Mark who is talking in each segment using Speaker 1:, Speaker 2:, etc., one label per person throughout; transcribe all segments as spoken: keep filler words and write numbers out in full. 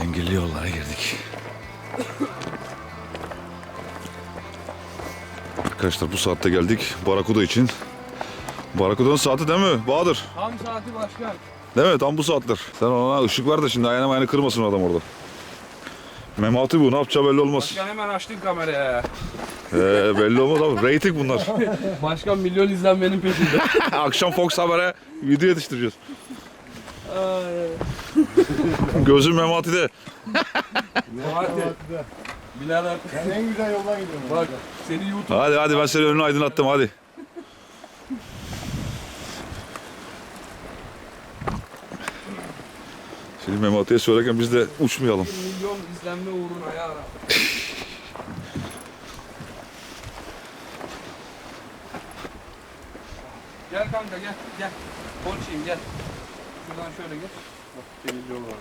Speaker 1: Engelli yollara girdik. Arkadaşlar bu saatte geldik Barakuda için. Barakuda'nın saati değil mi Bahadır?
Speaker 2: Tam saati başkan.
Speaker 1: Değil mi? Tam bu saatler. Sen ona ışık ver de şimdi ayağına ayağına kırmasın adam orada. Memati bu, ne yapacağı belli olmaz.
Speaker 2: Başkan hemen açtın kameraya.
Speaker 1: Ee, belli olmaz abi. Rating bunlar.
Speaker 2: Başkan milyon izlenmenin peşinde.
Speaker 1: Akşam Fox Haber'e video yetiştireceğiz. Gözüm Memati'de.
Speaker 2: Memati. Birader.
Speaker 3: Ben en güzel yoldan gidiyorum.
Speaker 2: Bak seni YouTube.
Speaker 1: Hadi hadi ben seni önünü aydınlattım hadi. Şimdi Memati'ye söylerken biz de uçmayalım.
Speaker 2: Milyon izlenme uğruna ya. Gel kanka gel gel. Konuşayım gel. Şuradan şöyle geç. Bak televizyon var.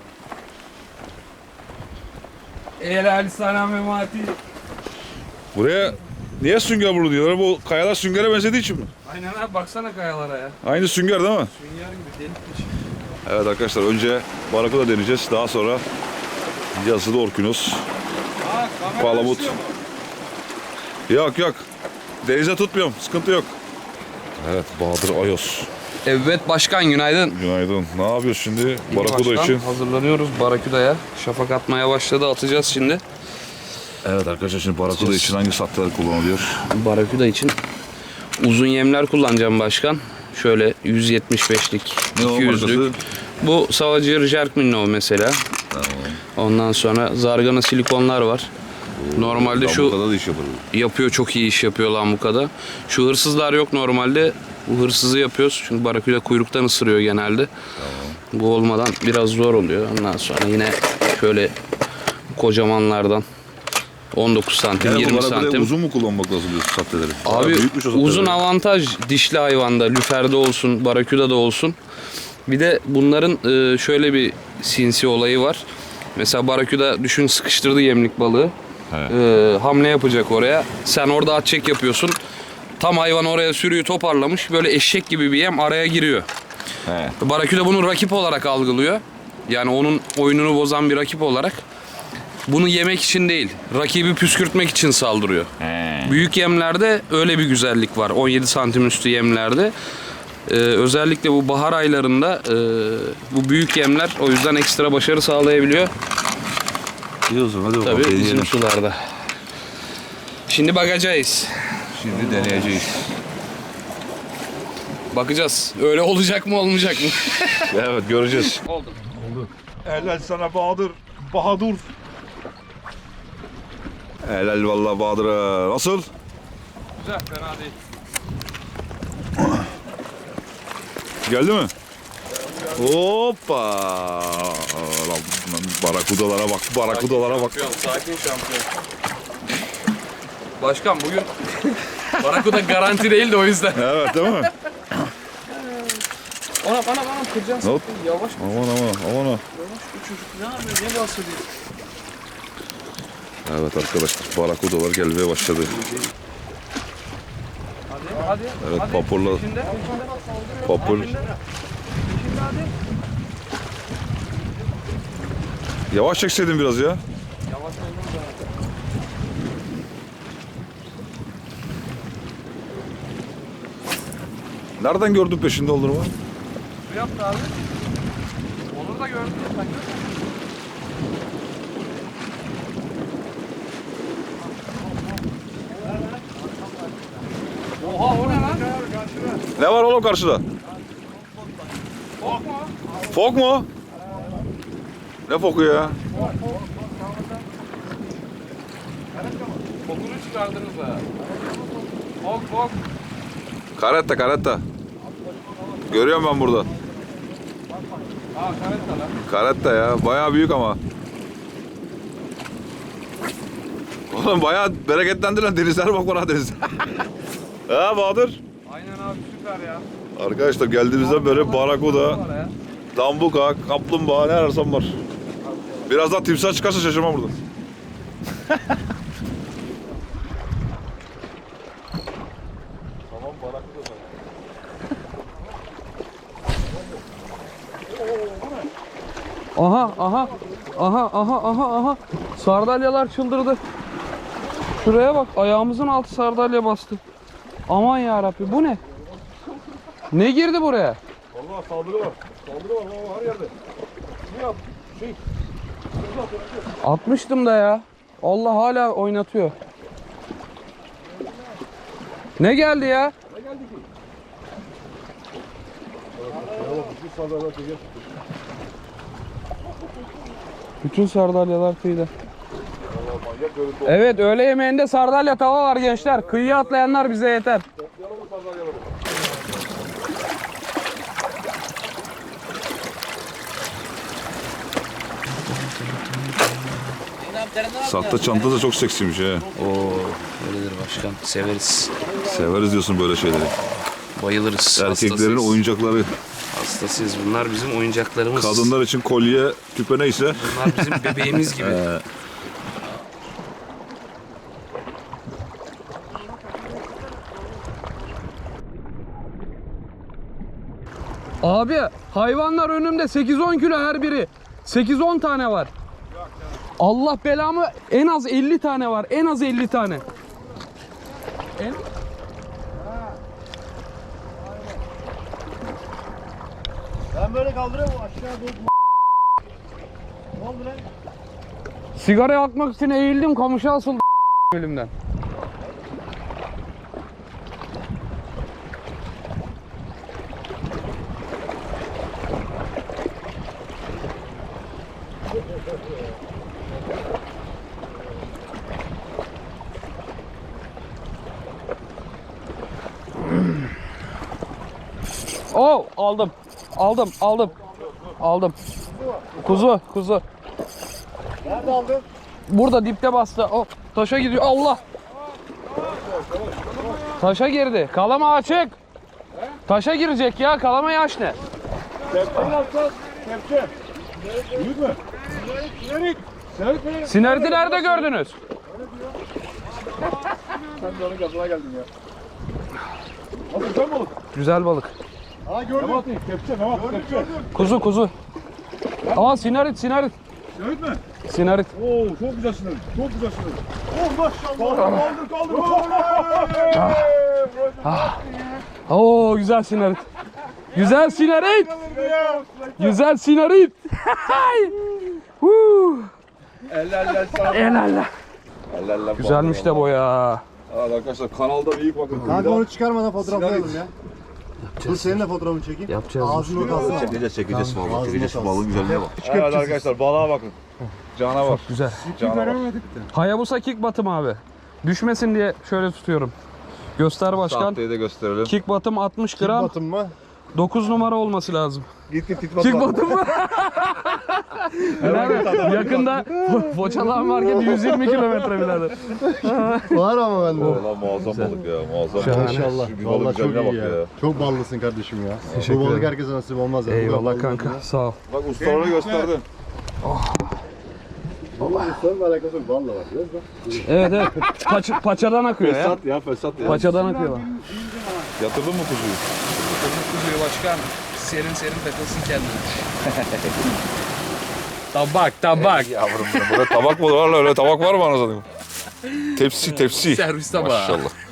Speaker 2: Helal sana Memati.
Speaker 1: Buraya niye sünger vurdu diyorlar? Bu kayalar süngere benzediği için mi?
Speaker 2: Aynen abi baksana kayalara ya.
Speaker 1: Aynı sünger değil mi?
Speaker 2: Sünger gibi delikmiş.
Speaker 1: Evet arkadaşlar önce Barakuda deneyeceğiz. Daha sonra yazılı Orkinos.
Speaker 2: Aa kamera
Speaker 1: Palamut.
Speaker 2: düşüyor mu?
Speaker 1: Yok yok. Denize tutmuyorum. Sıkıntı yok. Evet Bahadır Ayos.
Speaker 2: Evet başkan günaydın.
Speaker 1: Günaydın. Ne yapıyoruz şimdi Barakuda
Speaker 2: Başkan,
Speaker 1: için?
Speaker 2: hazırlanıyoruz Barakuda'ya. Şafak atmaya başladı, atacağız şimdi.
Speaker 1: Evet arkadaşlar şimdi Barakuda için hangi satlar kullanılıyor?
Speaker 2: Barakuda için uzun yemler kullanacağım başkan. Şöyle yüz yetmiş beşlik,
Speaker 1: Ne o
Speaker 2: iki yüzlük.
Speaker 1: markası?
Speaker 2: Bu Savacı Jerk Minnow mesela.
Speaker 1: Tamam.
Speaker 2: Ondan sonra zargana silikonlar var. Normalde şu
Speaker 1: Lambukada da iş yapar.
Speaker 2: yapıyor, çok iyi iş yapıyor lambukada. Şu hırsızlar yok normalde. Bu hırsızı yapıyoruz. Çünkü Barakuda kuyruktan ısırıyor genelde. Bu olmadan biraz zor oluyor. Ondan sonra yine şöyle kocamanlardan on dokuz santim,
Speaker 1: Yani
Speaker 2: yirmi
Speaker 1: bu Barakuda'ya
Speaker 2: santim.
Speaker 1: uzun mu kullanmak lazım diyorsun satteleri?
Speaker 2: Abi uzun avantaj dişli hayvanda, lüferde olsun, barakudada olsun. Bir de bunların e, şöyle bir sinsi olayı var. Mesela barakuda düşün sıkıştırdı yemlik balığı. E, hamle yapacak oraya. Sen orada at çek yapıyorsun. Tam hayvan oraya sürüyü toparlamış. Böyle eşek gibi bir yem araya giriyor.
Speaker 1: He.
Speaker 2: Barakuda bunu rakip olarak algılıyor. Yani onun oyununu bozan bir rakip olarak. Bunu yemek için değil, rakibi püskürtmek için saldırıyor.
Speaker 1: He.
Speaker 2: Büyük yemlerde öyle bir güzellik var. on yedi santim üstü yemlerde. Ee, özellikle bu bahar aylarında e, bu büyük yemler o yüzden ekstra başarı sağlayabiliyor.
Speaker 1: Diyorsun hadi bakalım
Speaker 2: Tabii
Speaker 1: deneyelim.
Speaker 2: bizim sularda. Şimdi bakacağız.
Speaker 1: Şimdi deneyeceğiz.
Speaker 2: Bakacağız. Öyle olacak mı olmayacak mı?
Speaker 1: Evet göreceğiz.
Speaker 2: Oldu.
Speaker 1: Helal sana Bahadır. Bahadır. Helal vallahi Bahadır'a. Nasıl?
Speaker 2: Güzel, fena değil.
Speaker 1: Geldi mi? Hoppa! Lan, barakudalara bak, barakudalara bak.
Speaker 2: Şampiyon, sakin şampiyon. Başkan bugün Barakuda garanti değil de o yüzden.
Speaker 1: Evet değil mi?
Speaker 2: Ona bana bana kıracaksın.
Speaker 1: Hop.
Speaker 2: Yavaş
Speaker 1: Aman aman aman.
Speaker 2: yavaş bu çocuk ne yapıyor? Ne bahsediyor?
Speaker 1: Evet arkadaşlar barakudalar gelmeye başladı.
Speaker 2: Hadi hadi.
Speaker 1: Evet
Speaker 2: hadi.
Speaker 1: papurla
Speaker 2: Peşinde.
Speaker 1: papur.
Speaker 2: Peşinde hadi.
Speaker 1: Yavaş çekseydin biraz ya.
Speaker 2: Yavaş oldum zaten.
Speaker 1: Nereden gördün peşinde olduğunu?
Speaker 2: Su yaptı abi. Onur da gördün ya sen gördün. Oha o ne lan?
Speaker 1: Ne var oğlum karşıda?
Speaker 2: Fok mu?
Speaker 1: Fok mu? Ne foku ya?
Speaker 2: Fokunu çıkardınız ha. Fok fok.
Speaker 1: Karetta karetta. Görüyorum ben burada.
Speaker 2: Aa karetta lan.
Speaker 1: Karetta ya. Bayağı büyük ama. Oğlum bayağı bereketlendi lan. Denizler bak bana deniz. Ha Bahadır.
Speaker 2: Aynen abi süper ya.
Speaker 1: Arkadaşlar geldiğimizde böyle barakuda, lambuka, kaplumbağa ne ararsan var. Birazdan timsah çıkarsa şaşırmam burada. Tamam barakuda.
Speaker 2: Aha aha. Aha aha aha aha. Sardalyalar çıldırdı. Şuraya bak, ayağımızın altı sardalya bastı. Aman ya Rabbi, bu ne? Ne girdi buraya?
Speaker 1: Vallahi saldırı var. Saldırı var baba her yerde. Ne yap? Şey.
Speaker 2: Atmıştım da ya. Allah hala oynatıyor. Ne geldi ya?
Speaker 1: Ne geldi ki? Bütün saldırılar çeker.
Speaker 2: Bütün sardalyalar kıyıda.
Speaker 1: Vallahi manyak görüntü oldu.
Speaker 2: Evet, öğle yemeğinde sardalya tava var gençler. Kıyıya atlayanlar bize yeter.
Speaker 1: Yalan mı saldırılar? Sahte çanta da çok seksiymiş he.
Speaker 2: Oo, öyledir başkan. Severiz.
Speaker 1: Severiz diyorsun böyle şeyleri.
Speaker 2: Bayılırız.
Speaker 1: Erkeklerin
Speaker 2: hastasıyız.
Speaker 1: oyuncakları.
Speaker 2: Hastasıyız. Bunlar bizim oyuncaklarımız.
Speaker 1: Kadınlar için kolye, küpe neyse.
Speaker 2: Bunlar bizim bebeğimiz gibi.
Speaker 1: Ee,
Speaker 2: Abi, hayvanlar önümde sekiz on kilo her biri. sekiz on tane var. Allah belamı, en az elli tane var. En az elli tane. En...
Speaker 3: Ben böyle kaldırıyorum aşağı doğru. Ne oldu lan?
Speaker 2: Sigara yakmak için eğildim, kamışa asıldı elimden. Oh, aldım. Aldım, aldım. Aldım. Kuzu, kuzu.
Speaker 3: Nerede aldın?
Speaker 2: Burada dipte bastı. Oh, taşa gidiyor. Allah. Taşa girdi. Kalama açık. Taşa girecek ya. Kalama yaş ne?
Speaker 3: Kepçeyi alacağız. Kepçe. Büyük mü? Sinerik. Sinerik mi?
Speaker 2: Sinerti nerede gördünüz?
Speaker 3: Sen de onun gazına geldin ya. Nasıl güzel balık?
Speaker 2: Güzel balık.
Speaker 3: Ha gördüm. Mehmet kepçe Mehmet kepçe.
Speaker 2: Kuzu kuzu. Aa sinarit sinarit.
Speaker 3: Sinerik mi?
Speaker 2: Sinarit.
Speaker 3: Oo çok güzel sinerik. Çok güzel sinerik. Oh maşallah. Kaldır kaldır kaldır.
Speaker 2: Oo güzel sinarit. Güzel sinarit. Güzel sinarit. Huu.
Speaker 3: Eller eller sağ ol.
Speaker 2: Elalla.
Speaker 1: Ellerle
Speaker 2: Güzelmiş de bu ya.
Speaker 1: Evet arkadaşlar kanalda büyük bakın.
Speaker 4: Kanka onu çıkarmadan fotoğraflayalım ya. Dur seninle fotoğrafını çekeyim.
Speaker 2: Yapacağız.
Speaker 4: Ağzını kalsın.
Speaker 1: Çekeceğiz çekeceğiz
Speaker 4: Tamam,
Speaker 1: vallahi
Speaker 4: ağzına
Speaker 1: çekeceğiz şu
Speaker 4: kalsın.
Speaker 1: balığın güzelliğine bak. Evet arkadaşlar balığa bakın. Cana bak.
Speaker 2: Güzel.
Speaker 1: Cana bak.
Speaker 2: Hayabusa kick batım abi. Düşmesin diye şöyle tutuyorum. Göster başkan.
Speaker 1: Sahteyi de gösterelim.
Speaker 2: Kick batım altmış gram.
Speaker 4: Batın mı?
Speaker 2: dokuz numara olması lazım.
Speaker 1: Git git git
Speaker 2: Kick
Speaker 1: bak.
Speaker 2: batım mı? Nerede? Yakında Foçalan market yüz yirmi kilometre birader.
Speaker 4: Var ama bende.
Speaker 1: Valla muazzam balık ya muazzam
Speaker 2: Şahane.
Speaker 1: balık.
Speaker 4: İnşallah.
Speaker 1: Şu bir balık
Speaker 4: Vallahi çok
Speaker 1: güzelliğine
Speaker 4: iyi
Speaker 1: bak
Speaker 4: ya.
Speaker 1: ya.
Speaker 4: Çok ballısın kardeşim ya.
Speaker 2: Teşekkür
Speaker 4: Bu balık
Speaker 2: ederim.
Speaker 4: herkese nasip olmaz ya. Bu kadar
Speaker 2: Eyvallah
Speaker 4: ballı
Speaker 2: kanka
Speaker 4: ya.
Speaker 2: sağ ol.
Speaker 1: Bak ustalara gösterdi.
Speaker 4: Bunun insanla alakası yok. Balla var. Biliyor musun?
Speaker 2: Evet evet. Paç, paçadan akıyor ya.
Speaker 1: Fesat ya fesat ya.
Speaker 2: Paçadan akıyor bak.
Speaker 1: Yatırdın mı kuzuyu?
Speaker 2: Kuzuyu başkan serin serin takılsın kendine. Tabak tabak.
Speaker 1: Yavrum benim. Burada tabak mı var lan? Öyle tabak var mı anasını? Tepsi tepsi.
Speaker 2: Servis tabağı.
Speaker 1: Maşallah.